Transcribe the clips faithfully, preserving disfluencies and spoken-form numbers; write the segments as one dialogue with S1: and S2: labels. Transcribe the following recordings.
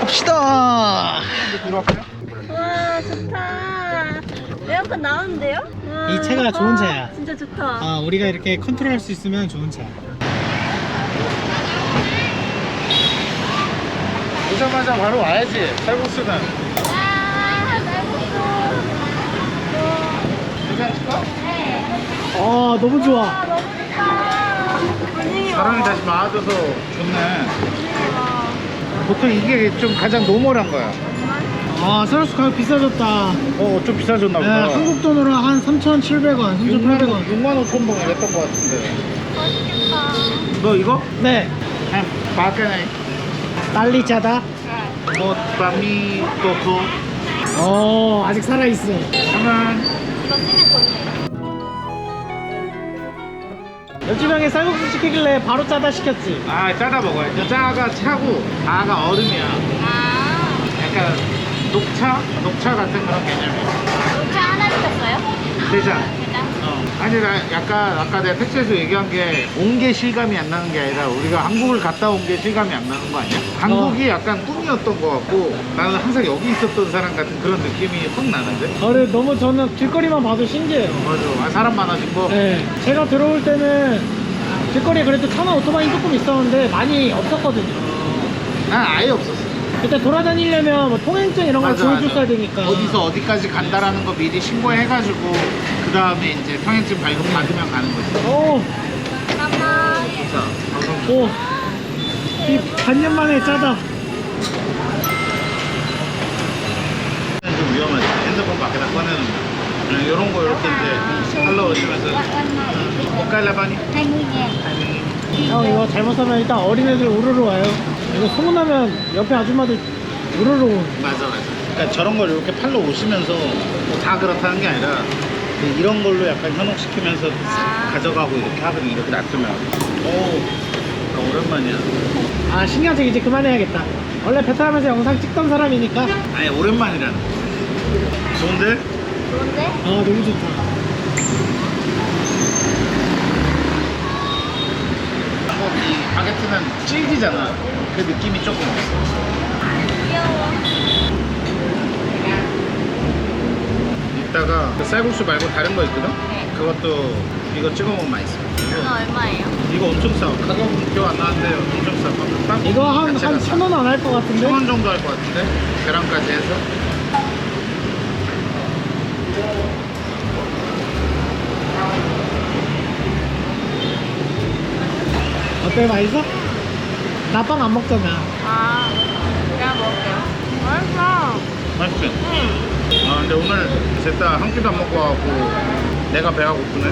S1: 갑시다.
S2: 와
S3: 좋다. 에어컨 나오는데요? 와,
S1: 이 차가 좋은 차야.
S3: 진짜 좋다.
S1: 아, 우리가 이렇게 컨트롤할 수 있으면 좋은 차.
S2: 오자마자 바로 와야지. 쌀국수는.
S3: 아, 쌀국수.
S2: 괜찮을까?
S1: 아, 너무 좋아.
S3: 아, 너무 좋다. 분위기
S2: 사람이
S3: 와.
S2: 다시 많아져서 좋네.
S3: 와.
S2: 보통 이게 좀 가장 노멀한 거야.
S1: 아, 쌀국수 가격 비싸졌다.
S2: 어, 좀 비싸졌나
S1: 네,
S2: 보다.
S1: 한국 돈으로 한 삼천칠백 원, 삼천팔백 원.
S2: 육만 오천 원 이랬던 것 같은데.
S3: 맛있겠다.
S2: 너 이거?
S1: 네,
S2: 한 바까네.
S1: 빨리 짜다.
S2: 뭐 밤이 또고
S1: 어, 아직 살아있어.
S2: 하면
S3: 이거 쓰면 돈이에요.
S1: 옆집 형이 쌀국수 시키길래 바로 짜다 시켰지.
S2: 아 짜다 먹어야지. 짜가 차고 다가 얼음이야.
S3: 아,
S2: 약간 녹차? 녹차 같은 그런 개념이야.
S3: 녹차 하나 시켰어요?
S2: 대장.
S3: 일단.
S2: 어. 아니 나 약간 아까 내가 택시에서 얘기한 게 온 게 실감이 안 나는 게 아니라 우리가 한국을 갔다 온 게 실감이 안 나는 거 아니야? 한국이 약간 꿈이었던 것 같고 나는 항상 여기 있었던 사람 같은 그런 느낌이 확 나는데?
S1: 어, 근데 너무 저는 길거리만 봐도 신기해요.
S2: 맞아. 아, 사람 많아진 거?
S1: 네, 제가 들어올 때는 길거리에 그래도 차나 오토바이 조금 있었는데 많이 없었거든요.
S2: 난 아예 없었어.
S1: 그때 돌아다니려면 뭐 통행증 이런 걸
S2: 맞아,
S1: 보여줬어야
S2: 맞아.
S1: 되니까.
S2: 어디서 어디까지 간다라는 거 미리 신고해가지고 그 다음에 이제 통행증 발급 받으면 가는 거지.
S1: 오,
S3: 잠깐만.
S2: 자,
S1: 오, 이 반년 만에 짜다.
S2: 좀 위험하지. 핸드폰 밖에다 꺼내는 거. 이런 거 이렇게 이제 팔로우시면서 옷갈라바니
S1: 형, 이거 잘못 사면 일단 어린애들 우르르 와요. 이거 소문나면 옆에 아줌마들 우르르 오는.
S2: 맞아 맞아. 그러니까 저런 걸 이렇게 팔로 오시면서 뭐다 그렇다는 게 아니라 이런 걸로 약간 현혹시키면서 싹 가져가고 이렇게 하거든. 이렇게 놔두면. 오, 오랜만이야.
S1: 아, 신경책 이제 그만해야겠다. 원래 베트남에서 영상 찍던 사람이니까.
S2: 아니 오랜만이라는. 좋은데?
S3: 좋은데?
S1: 아, 너무 좋다.
S2: 한국 이 바게트는 질기잖아. 그 느낌이 조금 있어.
S3: 귀여워.
S2: 이따가 그 쌀국수 말고 다른 거 있거든?
S3: 네.
S2: 그것도 이거 찍어 먹으면 맛있어.
S3: 이거 얼마예요?
S2: 이거 엄청 싸. 가격은 기억 안 나는데 엄청 싸. 딱
S1: 이거 한,
S2: 자체가
S1: 한
S2: 싸.
S1: 천 원 안 할 것 같은데?
S2: 천 원 정도 할 것 같은데? 계란까지 해서.
S1: 어때, 맛있어? 나 빵 안 먹잖아.
S3: 아, 내가 먹을게요. 맛있어.
S2: 맛있지?
S3: 응.
S2: 아 근데 오늘 셋 다 한 끼도 안 먹고 와갖고 내가 배가 고프네.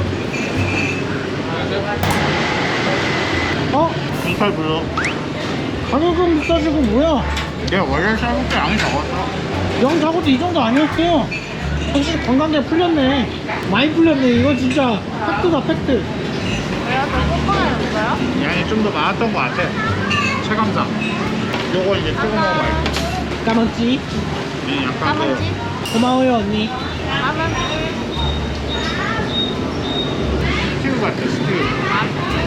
S1: 어?
S2: 정팔 불러.
S1: 가격은 비싸지고 뭐야?
S2: 내가 원래 쌀국수 양이 적었어.
S1: 영 사고도 이 정도 아니었어. 확실히 관광객 풀렸네. 많이 풀렸네. 이거 진짜 팩트다, 팩트.
S3: 왜요? 더 뽀뽀해줬어요?
S2: 양이 좀 더 많았던 것 같아. 체감상. 요거 이제 찍어 먹으면 맛있어.
S1: 까만찌.
S2: 이 약간
S3: 까만지?
S1: 고마워요, 언니.
S3: 까만지.
S2: 그 스티브 같아 스티브.
S3: 아,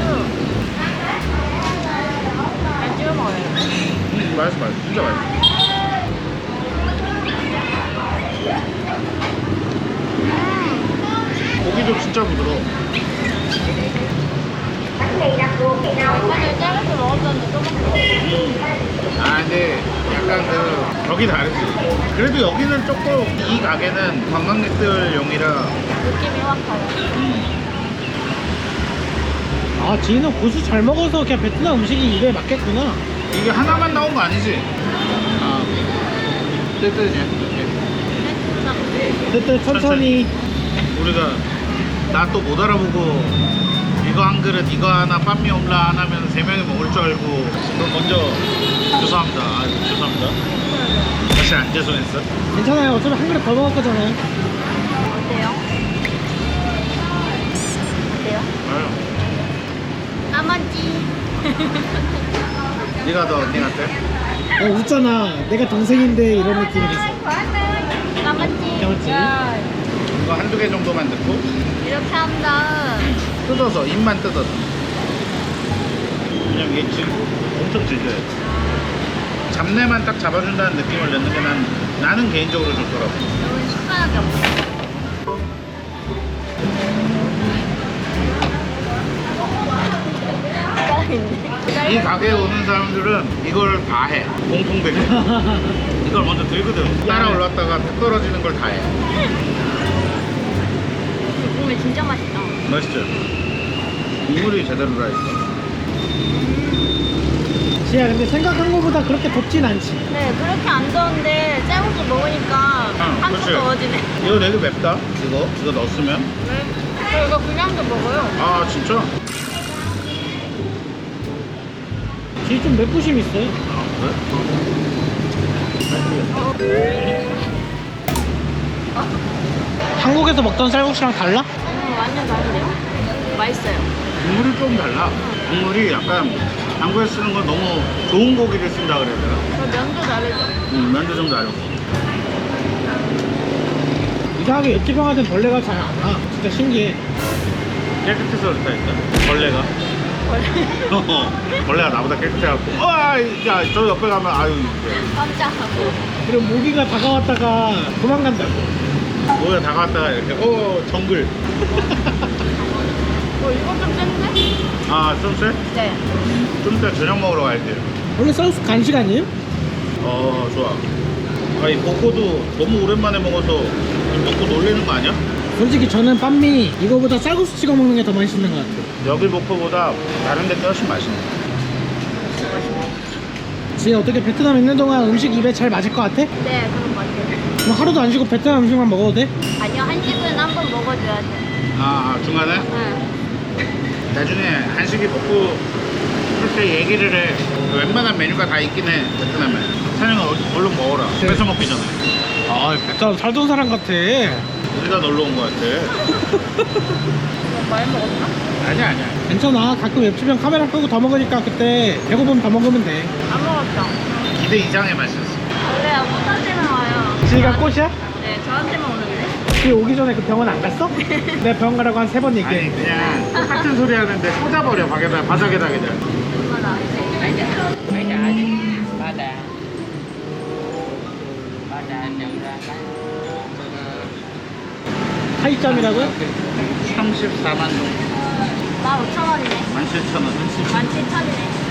S3: 잘 찍어 먹어요.
S2: 음 맛있어 맛있어 진짜 맛있어. 고기도 진짜 부드러워.
S3: 사실 짤국수 먹었었는데 또 먹어.
S2: 아 근데 약간 그 여기 다르지. 그래도 여기는 조금 이 가게는 관광객들용이라
S3: 느낌이 확 달라.
S1: 아, 지인은 고수 잘 먹어서 그냥 베트남 음식이 입에 맞겠구나.
S2: 이게 하나만 나온 거 아니지? 아 뜨뜻해.
S1: 그때 천천히.
S2: 우리가 나 또 못 알아보고 이거 한 그릇 이거 하나 빤미 옴라 하나면 세 명이 먹을 줄 알고 그럼 먼저 죄송합니다. 아, 죄송합니다. 사실 안 죄송했어.
S1: 괜찮아요. 어차피 한 그릇 더 먹을 거잖아요.
S3: 어때요? 어때요?
S2: 아유,
S3: 까만지.
S2: 네가 더 언니 같아?
S1: 어, 웃잖아. 내가 동생인데 이런 느낌이랬어.
S3: 까만지.
S1: 까만지.
S3: 야,
S2: 이거 한두 개 정도만 넣고
S3: 이렇게 한 다음
S2: 뜯어서 입만 뜯어서 그냥 얘 지금 엄청 질겨요. 잡내만 딱 잡아준다는 느낌을 내는 게 난, 나는 개인적으로 좋더라고.
S3: 여기 식사하기 없어.
S2: 이 가게에 오는 사람들은 이걸 다 해. 공통되게. 이걸 먼저 들거든. 따라 올랐다가 탁 떨어지는 걸 다 해.
S3: 국물 진짜 맛있다.
S2: 맛있죠? 국물이 제대로 다 있어.
S1: 지야 근데 생각한 것보다 그렇게 덥진 않지.
S3: 네, 그렇게 안 더운데 쌀국수 먹으니까
S2: 응,
S3: 한껏
S2: 그치.
S3: 더워지네.
S2: 이거 되게 맵다. 이거 이거 넣었으면.
S3: 네. 저 이거 그냥도 먹어요.
S2: 아 진짜?
S1: 지금 좀 맵부심 있어요.
S2: 아 그래?
S1: 한국에서 먹던 쌀국수랑 달라?
S3: 음, 완전 다른데요? 맛있어요.
S2: 국물이 좀 달라. 국물이 약간 한국에 쓰는 건 너무 좋은 고기를 쓴다 그래야 되나?
S3: 저 면도 다르죠?
S2: 음, 면도 좀 다르고.
S1: 이상하게 옆집 형한테 벌레가 잘 안 와. 진짜 신기해.
S2: 깨끗해서 그렇다 했다. 벌레가. 어, 벌레가 나보다 깨끗해갖고. 아, 야, 저 옆에 가면 아유. 이제.
S3: 깜짝하고.
S1: 그리고 모기가 다가왔다가 도망간다고.
S2: 뭐야 다가왔다가 이렇게 어 정글.
S3: 어, 이거 좀 센데?
S2: 아, 좀 쎄?
S3: 네.
S2: 좀 이따 저녁 먹으러 가야 돼.
S1: 원래 쌀국수 간식 아니에요?
S2: 어, 좋아. 아니, 볶고도 너무 오랜만에 먹어서 좀 먹고 놀래는 거 아니야?
S1: 솔직히 저는 빤미 이거보다 쌀국수 찍어 먹는 게 더 맛있는 것 같아요.
S2: 여기 볶고보다 다른 데 훨씬 맛있네.
S1: 지혜 어떻게 베트남 있는 동안 음식 입에 잘 맞을 것 같아?
S3: 네, 그런 것 같아요.
S1: 그럼 하루도 안 쉬고 베트남 음식만 먹어도 돼?
S3: 아니요, 한식은 한 번 먹어줘야 돼.
S2: 아, 아, 중간에?
S3: 네.
S2: 나중에 한식이 먹고 그렇게 얘기를 해. 웬만한 메뉴가 다 있긴 해, 베트남에. 사장님 얼른 먹어라.
S1: 네.
S2: 뺏어 먹기 전에.
S1: 아 베트남 살던 사람 같아.
S2: 우리가 놀러 온 거 같아.
S3: 이거 많이 먹었나?
S2: 아니야, 아니야.
S1: 괜찮아. 가끔 옆집 형 카메라 끄고 더 먹으니까 그때 배고프면 더 먹으면 돼.
S3: 안 먹었죠?
S2: 기대 이상의 맛이었어.
S3: 원래 꽃한테만 와요.
S1: 지혜가 꽃이야?
S3: 네, 저한테만 오는데.
S1: 지혜 오기 전에 그 병원 안 갔어? 내가 병원 가라고 한 세 번
S2: 아니,
S1: 얘기해.
S2: 그냥 똑같은 소리 하는데 꽂아버려, 바닥에다, 바닥에다 그냥.
S3: 얼마나?
S1: 차이점이라고요?
S2: 삼십사만 동.
S3: 만 오천 원이네.
S2: 만 칠천 원.
S3: 만 칠천이네.